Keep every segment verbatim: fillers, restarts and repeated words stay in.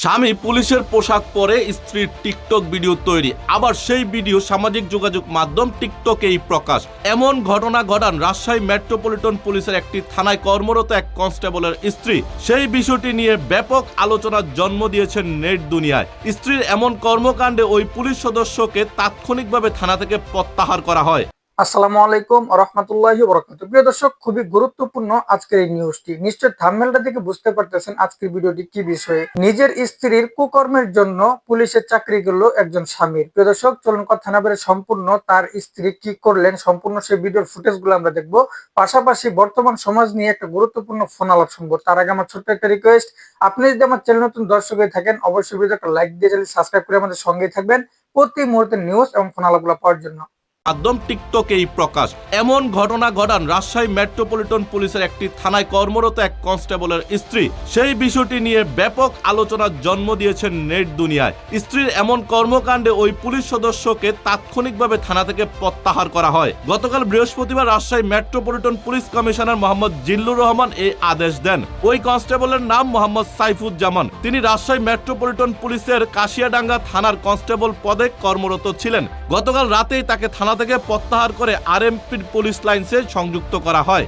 স্বামী পুলিশের পোশাক পরে স্ত্রীর টিকটক ভিডিও তৈরি, আবার সেই ভিডিও সামাজিক যোগাযোগ মাধ্যম টিকটকেই প্রকাশ। এমন ঘটনা ঘটান রাজশাহী মেট্রোপলিটন পুলিশের একটি থানায় কর্মরত এক কনস্টেবলের স্ত্রী। সেই বিষয়টি নিয়ে ব্যাপক আলোচনার জন্ম দিয়েছেন নেট দুনিয়ায়। স্ত্রীর এমন কর্মকাণ্ডে ওই পুলিশ সদস্যকে তাৎক্ষণিকভাবে থানা থেকে প্রত্যাহার করা হয়। আসসালামু আলাইকুম ওয়া রাহমাতুল্লাহি ওয়া বারাকাতুহু। প্রিয় দর্শক, খুবই গুরুত্বপূর্ণ আজকের এই নিউজটি। নিশ্চয় থাম্বনেলটা দেখে বুঝতে পারতেছেন আজকের ভিডিওটি কি বিষয়ে। নিজের স্ত্রীর কুকর্মের জন্য পুলিশের চাকরি গেল একজন স্বামীর। প্রিয় দর্শক, চলুন কথা না বলে সম্পূর্ণ তার স্ত্রী কি করলেন সম্পূর্ণ সেই ভিডিওর ফুটেজগুলো আমরা দেখব। পাশাপাশি বর্তমান সমাজ নিয়ে একটা গুরুত্বপূর্ণ ফোন আলাপ শুনবো। তার আগে আমার ছোট্ট একটা রিকোয়েস্ট, আপনি যদি আমার চ্যানেল নতুন দর্শক হয়ে থাকেন অবশ্যই ভিডিওটা লাইক দিয়ে চ্যানেল সাবস্ক্রাইব করে আমাদের সঙ্গেই থাকবেন প্রতি মুহূর্তের নিউজ এবং ফোন আলাপগুলো পাওয়ার জন্য। মাধ্যম টিকটকেই প্রকাশ। এমন ঘটনা ঘটান রাজশাহী মেট্রোপলিটন পুলিশের একটি থানায় কর্মরত এক কনস্টেবলের স্ত্রী। সেই বিষয়টি নিয়ে ব্যাপক আলোচনার জন্ম দিয়েছেন নেট দুনিয়ায়। স্ত্রীর এমন কর্মকাণ্ডে ওই পুলিশ সদস্যকে তাৎক্ষণিকভাবে থানা থেকে প্রত্যাহার করা হয়। গতকাল বৃহস্পতিবার Rajshahi metropolitan police commissioner Mohammad Zillur Rahman এই আদেশ দেন। ওই কনস্টেবলের নাম মোহাম্মদ সাইফুজ্জামান। তিনি রাজশাহী মেট্রোপলিটন পুলিশের কাশিয়াডাঙ্গা থানার কনস্টেবল পদে কর্মরত ছিলেন। গতকাল রাতেই তাকে থানা থেকে প্রত্যাহার করে আরএমপির পুলিশ লাইনসে সংযুক্ত করা হয়।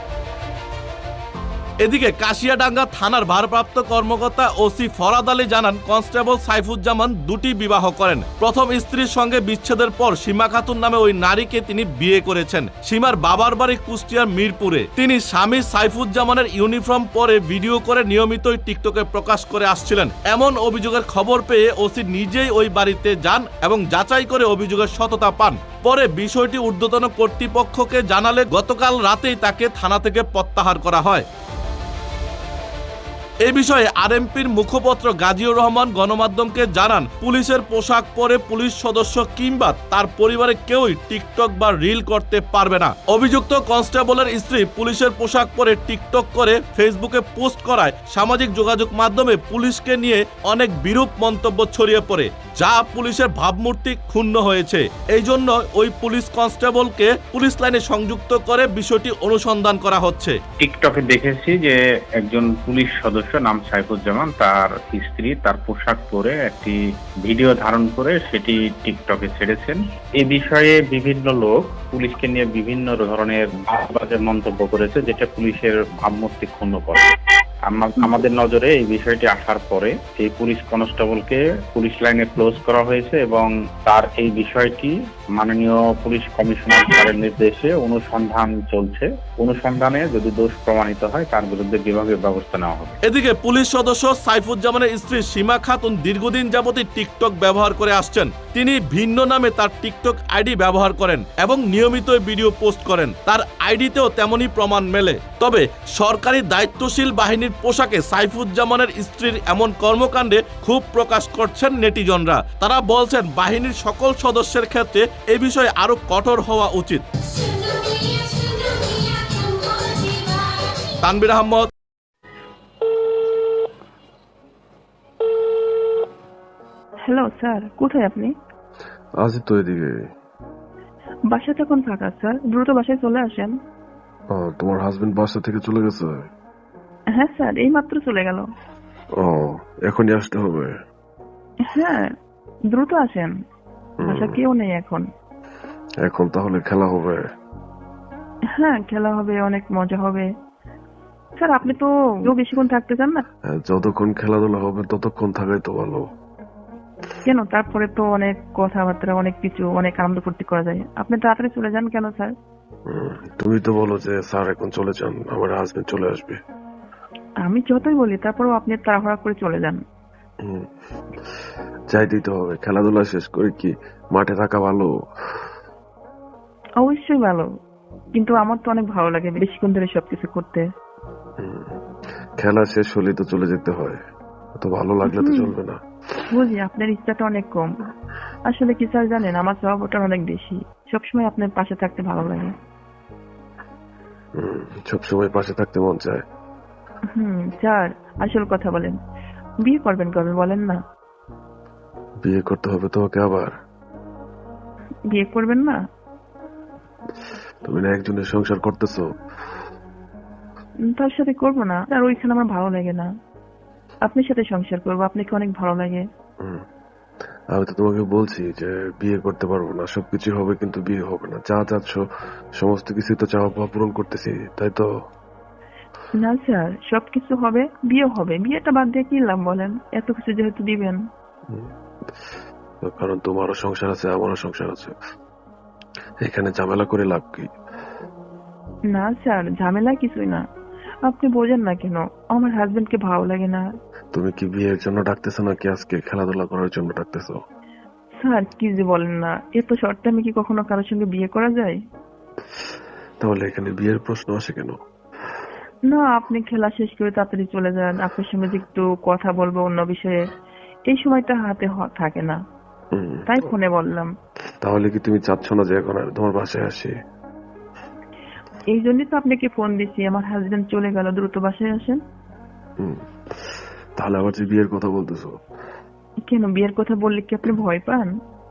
এদিকে কাশিয়াডাঙ্গা থানার ভারপ্রাপ্ত কর্মকর্তা ওসি ফরাদ আলী জানান, কনস্টেবল সাইফুজ্জামান দুটি বিবাহ করেন। প্রথম স্ত্রীর সঙ্গে বিচ্ছেদের পর সীমা খাতুন নামে ওই নারীকে তিনি বিয়ে করেছেন। সীমার বাবার বাড়ি কুষ্টিয়ার মিরপুরে। তিনি স্বামী সাইফুজ্জামানের ইউনিফর্ম পরে ভিডিও করে নিয়মিতই টিকটকে প্রকাশ করে আসছিলেন। এমন অভিযোগের খবর পেয়ে ওসি নিজেই ওই বাড়িতে যান এবং যাচাই করে অভিযোগের সততা পান। পরে বিষয়টি ঊর্ধ্বতন কর্তৃপক্ষকে জানালে গতকাল রাতেই তাকে থানা থেকে প্রত্যাহার করা হয়। এ বিষয়ে আরএমপির মুখপাত্র গাজীউর রহমান গণমাধ্যমকে জানান, পুলিশের পোশাক পরে পুলিশ সদস্য কিংবা তার পরিবারের কেউই টিকটক বা রিল করতে পারবে না। অভিযুক্ত কনস্টেবলের স্ত্রী পুলিশের পোশাক পরে টিকটক করে ফেসবুকে পোস্ট করায় সামাজিক যোগাযোগ মাধ্যমে পুলিশকে নিয়ে অনেক বিরূপ মন্তব্য ছড়িয়ে পড়ে, যা পুলিশের ভাবমূর্তি ক্ষুণ্ণ হয়েছে। এই জন্য ওই পুলিশ কনস্টেবলকে পুলিশ লাইনে সংযুক্ত করে বিষয়টি অনুসন্ধান করা হচ্ছে। টিকটকে দেখেছি যে একজন পুলিশ সদস্য নাম সাইফুজ্জামান তার স্ত্রী তার পোশাক পরে একটি ভিডিও ধারণ করে সেটি টিকটকে ছেড়েছেন। এই বিষয়ে বিভিন্ন লোক পুলিশকে নিয়ে বিভিন্ন ধরনের বাজে মন্তব্য করেছে, যেটা পুলিশের ভাবমূর্তি ক্ষুণ্ণ করে। আমাদের নজরে এই বিষয়টি আসার পরে এই পুলিশ কনস্টেবলকে পুলিশ লাইনে ক্লোজ করা হয়েছে এবং তার এই বিষয়টি মাননীয় পুলিশ কমিশনার স্যারের নির্দেশে অনুসন্ধান চলছে। অনুসন্ধানে যদি দোষ প্রমাণিত হয় তার বিরুদ্ধে বিভাগীয় ব্যবস্থা নেওয়া হবে। এদিকে পুলিশ সদস্য সাইফুজ্জামানের স্ত্রী সীমা খাতুন দীর্ঘদিন যাবতই টিকটক ব্যবহার করে আসছেন। তিনি ভিন্ন নামে তার টিকটক আইডি ব্যবহার করেন এবং নিয়মিত ভিডিও পোস্ট করেন। তার আইডিতেও তেমনই প্রমাণ মেলে। তবে সরকারি দায়িত্বশীল বাহিনীর পোশাকে সাইফুজ্জামানের স্ত্রীর এমন কর্মকাণ্ডে ক্ষোভ প্রকাশ করছেন নেটিজনরা। তারা বলছেন, বাহিনীর সকল সদস্যের ক্ষেত্রে এই বিষয়ে আরো কঠোর হওয়া উচিত। তানভীর আহমদ। হ্যালো স্যার, কোথায় আপনি? আছি তো এদিকে। বাসাতে এখন ফাঁকা স্যার, দ্রুত বাসায় চলে আসেন। ও, তোমার হাজবেন্ড বাসা থেকে চলে গেছে? হ্যাঁ স্যার, এই মাত্র চলে গেল। ও, এখনই আসতে হবে? হ্যাঁ, দ্রুত আসেন, বাসা কেউ নেই এখন। এখন তাহলে খেলা হবে? হ্যাঁ, খেলা হবে, অনেক মজা হবে। স্যার আপনি তো বেশিক্ষণ থাকতে চান না? যতক্ষণ খেলাধুলা হবে ততক্ষণ থাকাই তো ভালো। কেন, তারপরে তো অনেক কথাবার্তা, অনেক কিছু, অনেক আনন্দ ফুর্তি করা যায়। আপনি তাড়াতাড়ি চলে যান কেন স্যার? তুমি তো বলো যে স্যার এখন চলে যান, আমার হাজবেন্ড চলে আসবে। আমি যতই বলি তারপরেও আপনি তাড়াহুড়া করে চলে যান। যাই দিতে হবে, খেলাধুলা শেষ করে কি মাঠে থাকা ভালো? অবশ্যই ভালো, কিন্তু আমার তো অনেক ভালো লাগে বেশিক্ষণ ধরে সবকিছু করতে। খেলা শেষ হলে তো চলে যেতে হয়, তো ভালো লাগলে তো চলবে না। বুঝি, আপনার ইচ্ছাটা অনেক কম। আসলে কি স্যার জানেন, আমার স্বভাবটা অনেক বেশি, সবসময় আপনার পাশে থাকতে ভালো লাগে। সবসময় পাশে থাকতে মন চায়। হুম স্যার, আসল কথা বলেন, বিয়ে করবেন কবে বলেন না? বিয়ে করতে হবে তোমাকে আবার? বিয়ে করবেন না? তুমি না একজনের সংসার করতেছো? তার সাথে করবো না, আর ওইখানে আমার ভালো লাগে না। আপনার সাথে সংসার করবো, আপনাকে অনেক ভালো লাগে। হুম। আমি তো তোমাকে বলছি যে বিয়ে করতে পারবো না, সবকিছু হবে কিন্তু বিয়ে হবে না। যা চাচ্ছ সমস্ত কিছু তো চাওয়া পাওয়া পূরণ করতেছি, তাই তো? না স্যার, সবকিছু হবে, বিয়ে হবে, বিয়েটা বাদ দিয়ে কি লাভ বলেন, এত কিছু যেহেতু দিবেন। হুম। তো কারণ তোমারও সংসার আছে, আমারও সংসার আছে, এখানে ঝামেলা করে লাভ কি? না স্যার, ঝামেলা কিছুই না। আপনি বোঝেন না কেন? আমার হাজবেন্ডকে ভালো লাগে না। তুমি কি বিয়ের জন্য ডাকতেছো নাকি আজকে খেলাধুলা করার জন্য ডাকতেছো? স্যার কি যে বলেন না, এত শর্ট টাইমে কি কখনো কারোর সঙ্গে বিয়ে করা যায়? তাহলে এখানে বিয়ের প্রশ্ন আসে কেন? না, আপনি খেলা শেষ করে তাড়াতাড়ি চলে যান, আপনার সঙ্গে যে একটু কথা বলবো অন্য বিষয়ে, এই সময়টা হাতে হ- থাকে না, হুম। তাই ফোনে বললাম। তাহলে কি তুমি চাচ্ছ না যে এখন আর তোমার বাসায় আসি? এই জন্যই তো আপনাকে ফোন দিছি, আমার হাজবেন্ড চলে গেল, দ্রুত বাসায় আসেন। হুম। তাহলে আবার যে বিয়ের কথা বলতেছো? কেন, বিয়ের কথা বললে কি আপনি ভয় পান?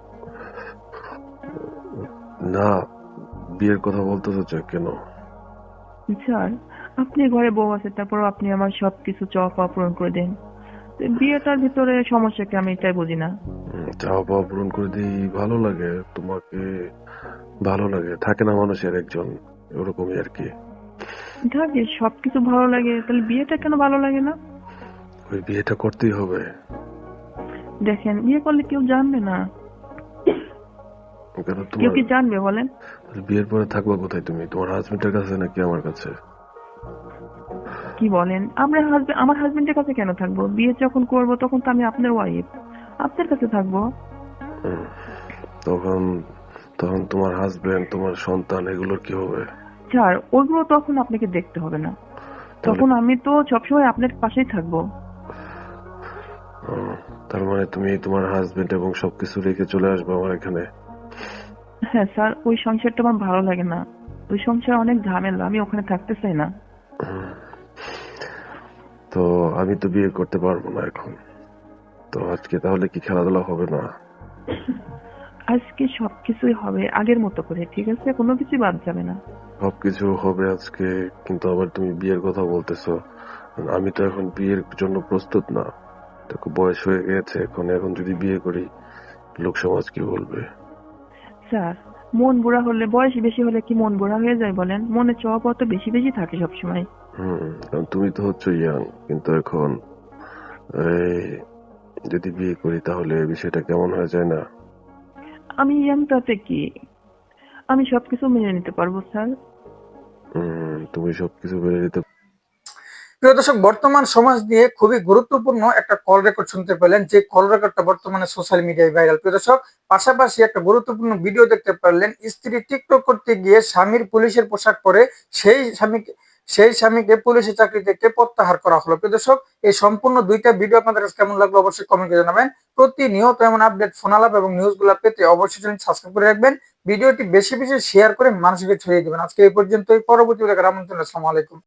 না, বিয়ের কথা বলতেছো যে কেন? স্যার, আপনি ঘরে বউ আছে, তারপর আপনি আমার সবকিছু চাওয়া পাওয়া পূরণ করে দেন, তো বিয়েটার ভিতরে সমস্যা কি, আমি এটাই বুঝি না। হুম, চাওয়া পাওয়া পূরণ করে দিই, ভালো লাগে তোমাকে? ভালো লাগে থাকে না মানুষের একজন, ওরকমই আর কি। থাকে, সবকিছু ভালো লাগে, তাহলে বিয়েটা কেন ভালো লাগে না? ওই বিয়েটা করতেই হবে। দেখেন, বিয়ে করলে কেউ জানবে না। কেন কেউ তোমার কি জানবে বলেন? বিয়ের পরে থাকবা কোথায় তুমি? তোমার হাজবেন্ডের কাছে নাকি আমার কাছে? কি বলেন? আমরা হাজবেন্ড, আমার হাজবেন্ডের কাছে কেন থাকবো? বিয়ে যখন করব তখন তো আমি আপনার ওয়াইফ, আপনার কাছে থাকবো। হুম, তখন তখন তোমার হাজবেন্ড, তোমার সন্তান, এগুলোর কি হবে? স্যার, ওইগুলো তখন আপনাকে দেখতে হবে না, তাহলে তখন আমি তো সবসময় আপনার পাশেই থাকবো। হুম, তার মানে তুমি তোমার হাজবেন্ড এবং সবকিছু রেখে চলে আসবে আমার এখানে? হ্যাঁ স্যার, ওই সংসারটা আমার ভালো লাগে না, ওই সংসার অনেক ঝামেলা, আমি ওখানে থাকতে চাই না। হুম, তো আমি তো বিয়ে করতে পারবো না এখন। তো আজকে তাহলে কি খেলাধুলা হবে না? আজকে সবকিছুই হবে আগের মতো করে, ঠিক আছে? কোনো কিছু বাদ যাবে না। সবকিছু হবে আজকে, কিন্তু আবার তুমি বিয়ের কথা বলতেছো। আমি তো এখন বিয়ের জন্য প্রস্তুত না। দেখো বয়স হয়ে গেছে এখন, এখন যদি বিয়ে করি লোক সমাজ কি বলবে? স্যার, মন বুড়া হলে, বয়স বেশি হলে কি মন বুড়া হয়ে যায় বলেন? মনে চাওয়া পাওয়া তো বেশি বেশি থাকে সবসময়। হুম, কারণ তুমি তো হচ্ছে ইয়াং, কিন্তু এখন এই যদি বিয়ে করি তাহলে বিষয়টা কেমন হয়ে যায় না? আমি ইয়াং তাতে কি, আমি সবকিছু মেনে নিতে পারবো স্যার। হুম, তুমি সবকিছু মেনে নিতে। প্রিয় দর্শক, বর্তমান সমাজ নিয়ে খুবই গুরুত্বপূর্ণ একটা কল রেকর্ড শুনতে পেলেন, যে কল রেকর্ডটা বর্তমানে সোশ্যাল মিডিয়ায় ভাইরাল। প্রিয় দর্শক, পাশাপাশি একটা গুরুত্বপূর্ণ ভিডিও দেখতে পারলেন, স্ত্রী টিকটক করতে গিয়ে স্বামীর পুলিশের পোশাক পরে সেই স্বামীকে সেই স্বামীকে পুলিশের চাকরি থেকে প্রত্যাহার করা হলো। প্রিয় দর্শক, এই সম্পূর্ণ দুইটা ভিডিও আপনাদের কাছে কেমন লাগলো অবশ্যই কমেন্ট করে জানাবেন। প্রতিনিয়ত এমন আপডেট, ফোন আলাপ এবং নিউজগুলো পেতে অবশ্যই চ্যানেল সাবস্ক্রাইব করে রাখবেন। ভিডিওটি বেশি বেশি শেয়ার করে মানুষকে ছড়িয়ে দিবেন। আজকে এই পর্যন্তই, পরবর্তী দেখার আমন্ত্রণ। আসসালামু আলাইকুম।